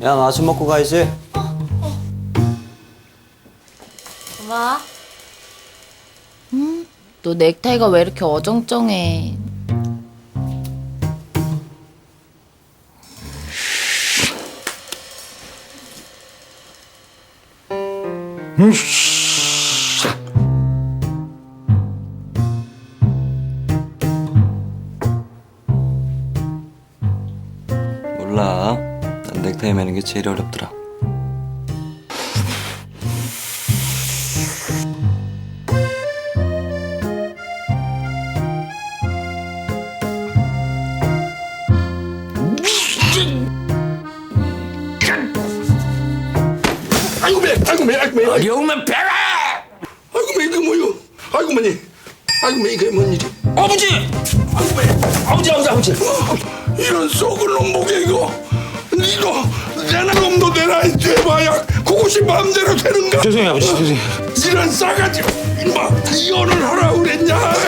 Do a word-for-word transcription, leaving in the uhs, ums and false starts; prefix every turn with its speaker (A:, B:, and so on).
A: 야, 나 아침 먹고 가야지.
B: 엄마. 음, 너 넥타이가 왜 이렇게 어정쩡해?
A: 몰라. 난 넥타이 매는 게 제일 어렵더라.
C: 아이고 매, 아이고 매, 아이고 매.
D: 어려우면 배라!
C: 아이고 매 이게 뭐요? 아이고 매니, 아이고 매 이게 뭔 일이?
D: 아버지!
C: 아이고 매,
D: 아버지 아버지 아버지!
C: 어, 이런 썩은 놈 목에 이거, 니도 내나 놈도 내나 돼봐야 그것이 마음대로 되는가?
D: 죄송해요 아버지 죄송해요.
C: 이런 싸가지, 임마 이혼을 하라 그랬냐?